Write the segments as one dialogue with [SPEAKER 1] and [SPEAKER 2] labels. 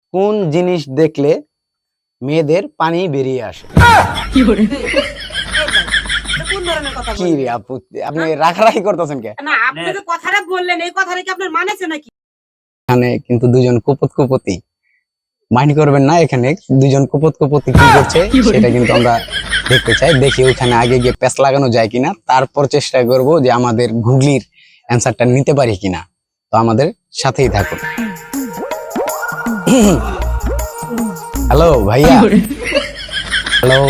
[SPEAKER 1] কোন জিনিস দেখলে মেয়েদের পানি বেরিয়ে আসে?
[SPEAKER 2] কি করে?
[SPEAKER 3] কোন ধরনের কথা
[SPEAKER 1] কি রে
[SPEAKER 3] বললেন?
[SPEAKER 1] আপু, আপনি রাখারাখি করতেছেন কে?
[SPEAKER 3] না, আপনি যে কথাটা বললেন এই কথাটা কি আপনার মানেছে নাকি?
[SPEAKER 1] এখানে কিন্তু দুজন কুপতি মাইন্ড করবেন না, এখানে দুজন কুপতি কি করছে সেটা কিন্তু আমরা দেখতে চাই। দেখি ওখানে আগে গিয়ে প্যাচ লাগানো যায় কিনা, তারপর চেষ্টা করব যে আমাদের গুগলির অ্যান্সারটা নিতে পারি কিনা। তো আমাদের সাথেই থাকুন। হ্যালো ভাইয়া, হ্যালো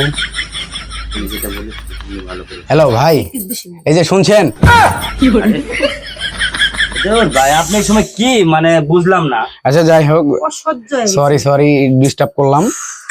[SPEAKER 1] হ্যালো ভাই, এই যে শুনছেন?
[SPEAKER 2] কি করে?
[SPEAKER 4] ভাই আপনি এই সময় কি মানে বুঝলাম না।
[SPEAKER 1] আচ্ছা যাই হোক,
[SPEAKER 3] অসহ্য হয়ে গেছে।
[SPEAKER 1] সরি ডিস্টার্ব করলাম।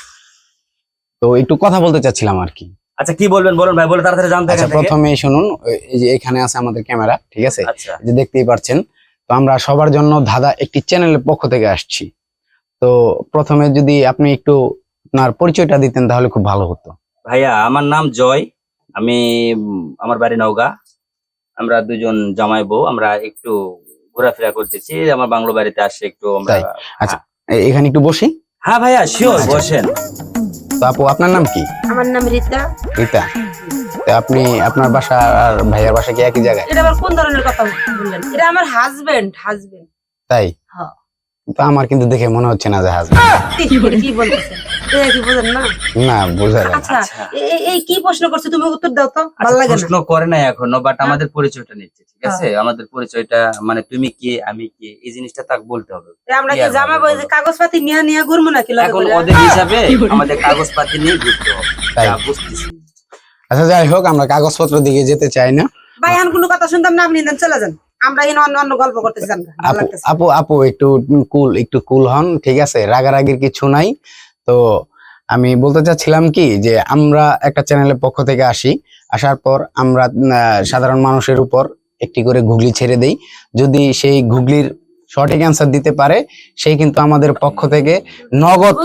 [SPEAKER 1] তো একটু কথা বলতে চাচ্ছিলাম আর কি।
[SPEAKER 4] আচ্ছা কি বলবেন বলুন ভাই, বলে তাড়াতাড়ি জানতে
[SPEAKER 1] আচ্ছা প্রথমে শুনুন, এই যে এখানে আছে আমাদের ক্যামেরা, ঠিক আছে?
[SPEAKER 4] আচ্ছা
[SPEAKER 1] এই যে দেখতেই পাচ্ছেন। তো আমরা সবার জন্য ধাঁধা একটি চ্যানেলের পক্ষ থেকে আসছি। তো প্রথমে যদি আপনি একটু আপনার পরিচয়টা দিতেন তাহলে খুব ভালো হতো।
[SPEAKER 4] ভাইয়া, আমার নাম জয়। আমি আমার বাড়ি নওগাঁ। আমরা দুজন জামাই বউ, আমরা একটু ঘোরাফেরা করতেছি, আমার বাংলো বাড়িতে আসে একটু আমরা।
[SPEAKER 1] তাই? আচ্ছা এখানে একটু বসি।
[SPEAKER 4] হ্যাঁ ভাইয়া শিওর, বসেন।
[SPEAKER 1] তো আপু আপনার নাম কি?
[SPEAKER 3] আমার নাম রীতা।
[SPEAKER 1] রীতা। তো আপনি আপনার বাসা আর ভাইয়ার বাসা কি একই জায়গায়?
[SPEAKER 3] এটা আবার কোন ধরনের কথা বললেন? এটা আমার হাজবেন্ড।
[SPEAKER 1] তাই?
[SPEAKER 3] হ্যাঁ।
[SPEAKER 1] তো আমার কিন্তু দেখে মনে হচ্ছে না যে হাজবেন্ড।
[SPEAKER 3] কি বলতেছেন? এটা কি বোঝেন না?
[SPEAKER 1] না বোঝা যায় না।
[SPEAKER 3] আচ্ছা, এই কি প্রশ্ন করছে তুমি উত্তর দাও তো, ভালো লাগে না।
[SPEAKER 4] প্রশ্ন করে নাই এখনো, বাট আমাদের পরিচয়টা নিচ্ছে, ঠিক আছে? আমাদের পরিচয়টা মানে তুমি কি আমি কি, এই জিনিসটা তাকে বলতে হবে।
[SPEAKER 3] আমরা কি জামা বই যে কাগজপাতি নিয়ে ঘুরবো নাকি লগে
[SPEAKER 4] এখন
[SPEAKER 3] করে?
[SPEAKER 4] ওদের হিসাবে আমাদের কাগজপাতি নিয়ে ঘুরতে হবে।
[SPEAKER 1] তাই?
[SPEAKER 4] যা বুঝতেছি।
[SPEAKER 1] আচ্ছা যাই হোক, আমরা কাগজপত্র দিকে যেতে চাই না।
[SPEAKER 3] ভাই এখন কোনো কথা শুনতাম না, আপনি চলে যান। আমরা এখানে অন্য গল্প করতেছি, জান ভালো
[SPEAKER 1] আপু
[SPEAKER 3] লাগতেছে।
[SPEAKER 1] আপু আপু একটু কুল হন, ঠিক আছে? রাগারাগির কিছু নাই। তো আমি বলতে চাচ্ছিলাম কি যে আমরা একটা চ্যানেলের পক্ষ থেকে আসার পর আমরা সাধারণ মানুষের উপর একটি করে গুগলি ছেড়ে দেই। যদি সেই গুগলির সঠিক অ্যান্সার দিতে পারে, সেই কিন্তু আমাদের পক্ষ থেকে নগদ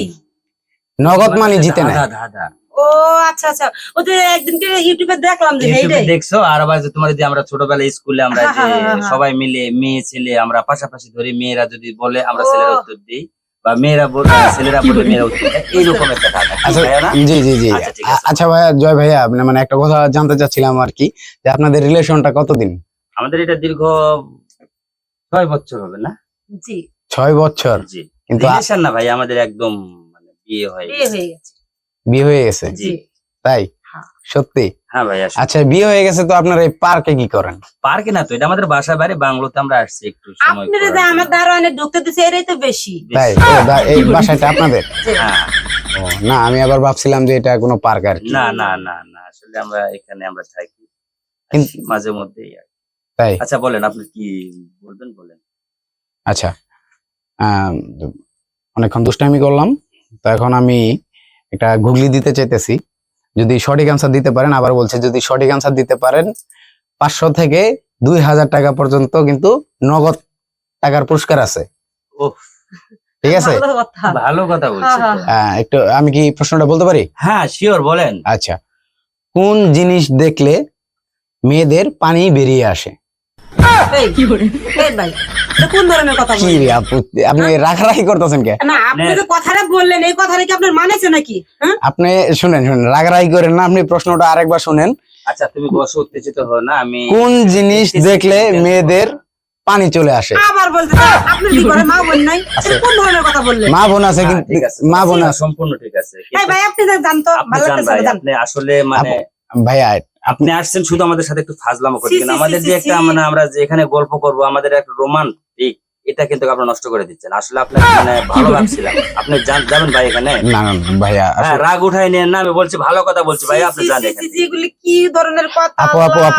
[SPEAKER 1] মানি জিতে নেয়।
[SPEAKER 4] দাদা
[SPEAKER 3] ও আচ্ছা আচ্ছা, ও যে একদিনকে ইউটিউবে দেখলাম যে
[SPEAKER 4] ইউটিউবে
[SPEAKER 3] এইটাই।
[SPEAKER 4] দেখছো? আর আবার যে তোমার যে আমরা ছোটবেলায় স্কুলে আমরা যে
[SPEAKER 3] হ্যাঁ।
[SPEAKER 4] সবাই মিলে মেয়ে ছেলে আমরা পাশাপাশি ধরি, মেয়েরা যদি বলে আমরা
[SPEAKER 3] ও।
[SPEAKER 4] ছেলেরা উত্তর দিই, বা মেয়েরা বলে ছেলেরা বলে মেয়েরা উত্তর দেয়, এইরকম একটা ধাঁধা। কি
[SPEAKER 1] আচ্ছা
[SPEAKER 4] ভাইয়া না?
[SPEAKER 1] জি
[SPEAKER 4] আচ্ছা, ঠিক আছে।
[SPEAKER 1] আচ্ছা ভাইয়া, জয় ভাইয়া, আপনি মানে একটা কথা জানতে চাচ্ছিলাম আর কি, যে আপনাদের রিলেশনটা কতদিন?
[SPEAKER 4] আমাদের এটা দীর্ঘ 6 বছর হবে না?
[SPEAKER 3] জি,
[SPEAKER 1] 6 বছর।
[SPEAKER 4] জি।
[SPEAKER 1] কিন্তু
[SPEAKER 4] রিলেশন না ভাই, আমাদের একদম মানে বিয়ে হয়ে
[SPEAKER 3] বিয়ে
[SPEAKER 4] গেছে।
[SPEAKER 3] হয়ে গেছে।
[SPEAKER 1] বিয়ে হয়ে গেছে?
[SPEAKER 4] জি।
[SPEAKER 1] তাই?
[SPEAKER 3] হ্যাঁ।
[SPEAKER 1] সত্যি?
[SPEAKER 4] হ্যাঁ ভাইয়া।
[SPEAKER 1] আচ্ছা বিয়ে হয়ে গেছে, তো আপনারা এই পার্কে কি করেন?
[SPEAKER 4] পার্কে না তো, এটা আমাদের বাসা বাড়ি, বাংলোতে আমরা আসছি একটু সময়
[SPEAKER 3] আপনারা
[SPEAKER 4] করার
[SPEAKER 3] যে
[SPEAKER 4] জন্য।
[SPEAKER 3] আমার দারোয়ানে ঢুকতে দিছে এরাই তো বেশি।
[SPEAKER 1] তাই? এই বাসাটা আপনাদের?
[SPEAKER 4] হ্যাঁ।
[SPEAKER 1] ও না, আমি আবার ভাবছিলাম যে এটা কোনো পার্ক আর কি।
[SPEAKER 4] না না না না, আসলে আমরা এখানে আমরা থাকি
[SPEAKER 1] কিন্তু-
[SPEAKER 4] মাঝে মধ্যেই আর কি।
[SPEAKER 1] তাই?
[SPEAKER 4] আচ্ছা বলেন, আপনি কি বলবেন বলেন।
[SPEAKER 1] আচ্ছা আহ, অনেকক্ষণ দুষ্টামি করলাম, তো এখন আমি একটা গুগলি দিতে চাইতেছি। যদি সঠিক আনসার দিতে পারেন, আবার বলছে যদি সঠিক আনসার দিতে পারেন 500 থেকে 2000 টাকা পর্যন্ত কিন্তু নগদ টাকার পুরস্কার আছে,
[SPEAKER 4] ওহ,
[SPEAKER 1] ঠিক আছে?
[SPEAKER 3] ভালো কথা।
[SPEAKER 4] ভালো কথা বলছেন তো।
[SPEAKER 3] হ্যাঁ,
[SPEAKER 1] একটু আমি কি প্রশ্নটা বলতে পারি?
[SPEAKER 4] হ্যাঁ শিওর, বলেন।
[SPEAKER 1] আচ্ছা, কোন জিনিস দেখলে মেয়েদের পানি বেরিয়ে আসে?
[SPEAKER 3] এই,
[SPEAKER 2] কি করে?
[SPEAKER 3] এই ভাই, এটা কোন ধরনের কথা
[SPEAKER 1] কি
[SPEAKER 3] বললেন?
[SPEAKER 1] রে আপু, আপনি রাখারাখি করতেছেন কে?
[SPEAKER 3] না, আপনি যে কথাটা বললেন এই কথাটা কি আপনার মানেছে নাকি? হ্যাঁ?
[SPEAKER 1] আপনি শুনেন, রাগারাগি করেন না, আপনি প্রশ্নটা আরেকবার শুনেন।
[SPEAKER 4] আচ্ছা তুমি বসে উত্তেজিত হো না, আমি
[SPEAKER 1] কোন জিনিস দেখলে মেয়েদের পানি চলে আসে?
[SPEAKER 3] আবার বলতে চান, আপনি কি করে মা বোন নাই? এটা কোন ধরনের কথা বললেন?
[SPEAKER 1] মা বোন আছে
[SPEAKER 4] হ্যাঁ,
[SPEAKER 1] কিন্তু,
[SPEAKER 4] ঠিক আছে,
[SPEAKER 1] মা বোন আছে।
[SPEAKER 4] সম্পূর্ণ ঠিক আছে,
[SPEAKER 3] এই
[SPEAKER 4] কিন্তু
[SPEAKER 3] ভাই আপনি জানতো
[SPEAKER 4] আপনি
[SPEAKER 3] ভালো
[SPEAKER 4] জান
[SPEAKER 3] লাগতেছে
[SPEAKER 4] ভাই,
[SPEAKER 3] না, জান।
[SPEAKER 4] আপনি আসলে মানে
[SPEAKER 1] ভাইয়া
[SPEAKER 4] আপনি আসছেন শুধু আমাদের সাথে একটু ফাজলামো
[SPEAKER 3] ছি,
[SPEAKER 4] করছেন।
[SPEAKER 3] ছি,
[SPEAKER 4] আমাদের
[SPEAKER 3] ছি,
[SPEAKER 4] যে
[SPEAKER 3] ছি,
[SPEAKER 4] একটা
[SPEAKER 3] ছি।
[SPEAKER 4] মানে আমরা যে এখানে গল্প করব, আমাদের একটা রোমান্টিক, এটা কিন্তু আপনারা নষ্ট করে দিচ্ছেন। আসলে আপনার মানে ভালো ভাবছিলাম, আপনি যাবেন ভাই এখানে।
[SPEAKER 1] না না ভাইয়া,
[SPEAKER 4] হ্যাঁ, রাগ উঠাই নেন না, আমি বলছি ভালো কথা বলছি ভাই, আপনি
[SPEAKER 3] ছি, ছি,
[SPEAKER 4] জানেন
[SPEAKER 3] ছি, ছি, এগুলি কি ধরনের কথা?
[SPEAKER 1] আপু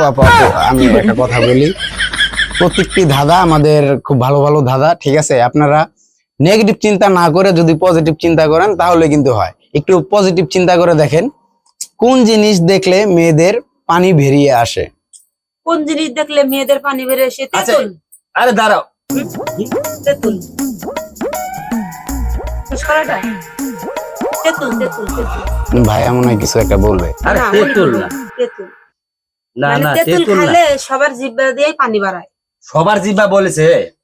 [SPEAKER 1] আমি একটা কথা বলি। প্রত্যেকটি ধাঁধা আমাদের খুব ভালো ভালো ধাঁধা, ঠিক আছে? আপনারা নেগেটিভ চিন্তা না করে যদি পজিটিভ চিন্তা করেন তাহলে কিন্তু হয়। একটু পজিটিভ চিন্তা করে দেখেন, কোন জিনিস দেখলে মেয়েদের পানি বেরিয়ে আসে?
[SPEAKER 3] কোন জিনিস দেখলে মেয়েদের পানি বেড়ে এসে?
[SPEAKER 4] আচ্ছা,
[SPEAKER 3] তেঁতুল।
[SPEAKER 4] আরে দাঁড়াও,
[SPEAKER 3] তেঁতুল। শেষ করাটা? তেঁতুল।
[SPEAKER 1] ভাইয়া মনে হয় কিছু একটা বলবে।
[SPEAKER 4] আরে
[SPEAKER 3] না,
[SPEAKER 4] তেঁতুল না,
[SPEAKER 3] তেঁতুল।
[SPEAKER 4] না
[SPEAKER 3] মানে
[SPEAKER 4] না
[SPEAKER 3] তেঁতুল
[SPEAKER 4] তেঁতুল না,
[SPEAKER 3] খাইলে সবার জিহ্বা দিয়ে পানি বাড়ায়।
[SPEAKER 4] সবার জিভা বলেছে।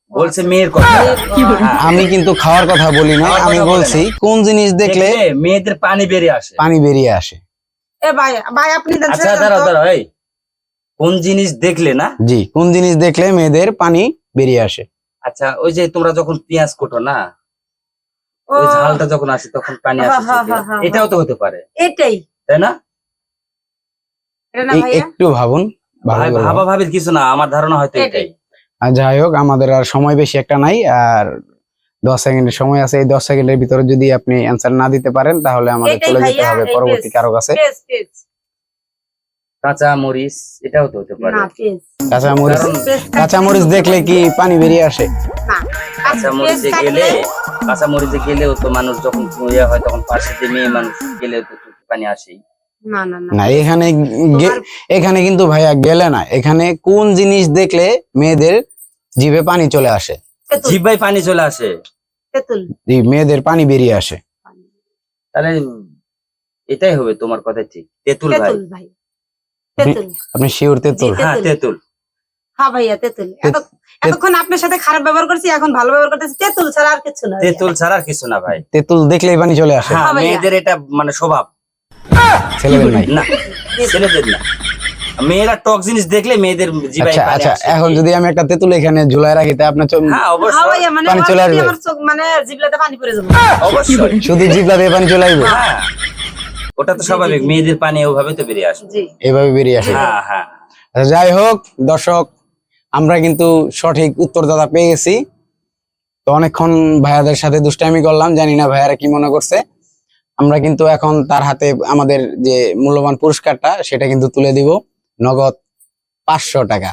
[SPEAKER 4] বলছে মেয়ের কথা। হ্যাঁ,
[SPEAKER 1] আমি কিন্তু খাওয়ার কথা বলি না,
[SPEAKER 4] খাওয়ার
[SPEAKER 1] আমি
[SPEAKER 4] কথা
[SPEAKER 1] বলছি কোন জিনিস দেখলে
[SPEAKER 4] দেখলে মেয়েদের পানি বেরিয়ে আসে।
[SPEAKER 1] পানি বেরিয়ে আসে।
[SPEAKER 3] এ ভাই ভাই আপনি দেন
[SPEAKER 4] আচ্ছা
[SPEAKER 3] ছেড়ে দেন
[SPEAKER 4] দাঁড়াও
[SPEAKER 3] তো।
[SPEAKER 4] দাঁড়াও, এই কোন জিনিস দেখলে না?
[SPEAKER 1] জি, কোন জিনিস দেখলে মেয়েদের পানি বেরিয়ে আসে।
[SPEAKER 4] আচ্ছা ওই যে তোমরা যখন পেঁয়াজ কোটো না,
[SPEAKER 3] ও,
[SPEAKER 4] ওই ঝালটা যখন আসে তখন পানি আসে
[SPEAKER 3] হ্যাঁ, হ্যাঁ,
[SPEAKER 4] চোখে।
[SPEAKER 3] হ্যাঁ, হ্যাঁ,
[SPEAKER 4] এটাও তো হতে পারে,
[SPEAKER 3] এটাই
[SPEAKER 4] তাই না?
[SPEAKER 3] এটা না ভাইয়া
[SPEAKER 1] একটু ভাবুন, ভালো
[SPEAKER 4] ভাই
[SPEAKER 1] করে
[SPEAKER 4] ভাবা
[SPEAKER 1] ভাবুন।
[SPEAKER 4] ভাবির কিছু না, আমার ধারণা হয়তো এটাই।
[SPEAKER 1] আর যাই হোক, আমাদের আর সময় বেশি একটা নাই, আর 10 সেকেন্ডের সময় আছে। এই 10 সেকেন্ডের ভিতরে যদি আপনি অ্যান্সার না দিতে পারেন তাহলে আমাদের
[SPEAKER 3] এটাই
[SPEAKER 1] চলে যেতে
[SPEAKER 3] ভাইয়া,
[SPEAKER 1] হবে
[SPEAKER 3] এই
[SPEAKER 1] পরবর্তী
[SPEAKER 3] পেজ।
[SPEAKER 1] কারো কাছে।
[SPEAKER 3] পেজ পেজ
[SPEAKER 4] কাঁচা মরিচ এটাও তো হতে পারে।
[SPEAKER 3] না পেজ
[SPEAKER 1] কাঁচা মরিচ,
[SPEAKER 4] কারণ
[SPEAKER 3] পেজ
[SPEAKER 1] কাঁচা মরিচ দেখলে কি পানি বেরিয়ে আসে?
[SPEAKER 3] না
[SPEAKER 4] কাঁচা মরিচে গেলে, কাঁচা মরিচে গেলেও তো মানুষ যখন ইয়ে হয় তখন পাশে যে মেয়ে মানুষ গেলেও তো চোখে পানি আসেই।
[SPEAKER 3] না না না
[SPEAKER 1] না, এখানে
[SPEAKER 3] তোমার-
[SPEAKER 1] এখানে কিন্তু ভাইয়া গেলে না, এখানে কোন জিনিস দেখলে মেয়েদের জিভে পানি চলে আসে,
[SPEAKER 3] তেঁতুল
[SPEAKER 4] জিহ্বায় পানি চলে আসে,
[SPEAKER 3] তেঁতুল
[SPEAKER 1] মেয়েদের পানি বেরিয়ে আসে।
[SPEAKER 4] তাহলে এটাই হবে, তোমার কথা ঠিক, তেঁতুল ভাই।
[SPEAKER 3] তেঁতুল ভাই তেঁতুল
[SPEAKER 1] আপনি শিওর তেঁতুল?
[SPEAKER 3] জি।
[SPEAKER 4] হ্যাঁ
[SPEAKER 3] তেঁতুল।
[SPEAKER 4] তেঁতুল।
[SPEAKER 3] হ্যাঁ ভাইয়া তেঁতুল এতক্ষণ আপনার সাথে খারাপ ব্যবহার করছি, এখন ভালো ব্যবহার করতেছি। তেঁতুল ছাড়া আর কিছু না ভাইয়া।
[SPEAKER 4] তেঁতুল ছাড়া আর কিছু না ভাই।
[SPEAKER 1] তেঁতুল দেখলেই পানি চলে আসে।
[SPEAKER 4] হ্যাঁ,
[SPEAKER 3] হ্যাঁ ভাইয়া।
[SPEAKER 4] মেয়েদের এটা মানে স্বভাব,
[SPEAKER 1] ছেলেদের নাই।
[SPEAKER 4] না ছেলেদের না। মেয়েরা টক জিনিস দেখলে মেয়েদের জিভায়
[SPEAKER 1] আচ্ছা
[SPEAKER 4] পানি
[SPEAKER 1] আচ্ছা,
[SPEAKER 4] আসে।
[SPEAKER 1] এখন যদি আমি একটা তেঁতুল এখানে ঝুলাই রাখি তা আপনার
[SPEAKER 4] হ্যাঁ
[SPEAKER 3] হ্যাঁ
[SPEAKER 4] অবশ্যই,
[SPEAKER 3] ভাইয়া, মানে
[SPEAKER 1] পানি চলে আসবে।
[SPEAKER 3] আমার চোখ মানে জিভলাতে পানি পড়ে যাবে।
[SPEAKER 4] অবশ্যই।
[SPEAKER 1] শুধু জিভা দিয়ে পানি চলে আসবে?
[SPEAKER 4] হ্যাঁ ওটা তো স্বাভাবিক, মেয়েদের পানি ওভাবে তো বেরিয়ে আসে।
[SPEAKER 3] জি
[SPEAKER 1] এভাবে বেরিয়ে আসে।
[SPEAKER 4] হ্যাঁ হ্যাঁ।
[SPEAKER 1] আচ্ছা, যাই হোক দর্শক, আমরা কিন্তু সঠিক উত্তরদাতা পেয়ে গেছি। তো অনেকক্ষণ ভাইয়াদের সাথে দুষ্টামি করলাম, জানি না ভাইয়ারা কি মনে করছে। আমরা কিন্তু এখন তার হাতে আমাদের যে মূল্যবান পুরস্কারটা সেটা কিন্তু তুলে দিব, নগদ 500 টাকা।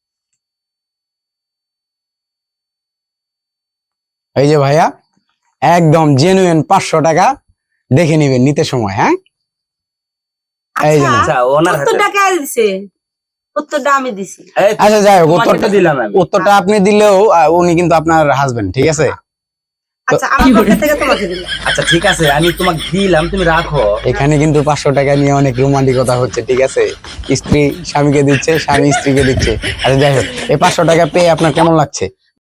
[SPEAKER 1] এই যে ভাইয়া, একদম জেনুইন 500 টাকা, দেখে নিবেন নিতে সময়। হ্যাঁ, এই যে
[SPEAKER 3] আচ্ছা
[SPEAKER 4] আচ্ছা ওনার হাতে
[SPEAKER 3] উত্তরটা কে দিছে? উত্তরটা আমি দিছি।
[SPEAKER 4] এই,
[SPEAKER 1] আচ্ছা যাই হোক,
[SPEAKER 4] তোমাকে
[SPEAKER 1] উত্তরটা
[SPEAKER 4] তো দিলাম আমি।
[SPEAKER 1] উত্তরটা আপনি দিলেও উনি কিন্তু আপনার হাজবেন্ড, ঠিক আছে?
[SPEAKER 3] আচ্ছা আমার পক্ষ থেকে তোমাকে দিলাম।
[SPEAKER 4] আচ্ছা ঠিক আছে, আমি তোমাকে দিলাম, তুমি রাখো।
[SPEAKER 1] এখানে কিন্তু 500 টাকা নিয়ে অনেক রোমান্টিকতা হচ্ছে, ঠিক আছে? স্ত্রী স্বামীকে দিচ্ছে, স্বামী স্ত্রীকে দিচ্ছে। আচ্ছা যাই হোক, এই 500 টাকা পেয়ে আপনার কেমন লাগছে?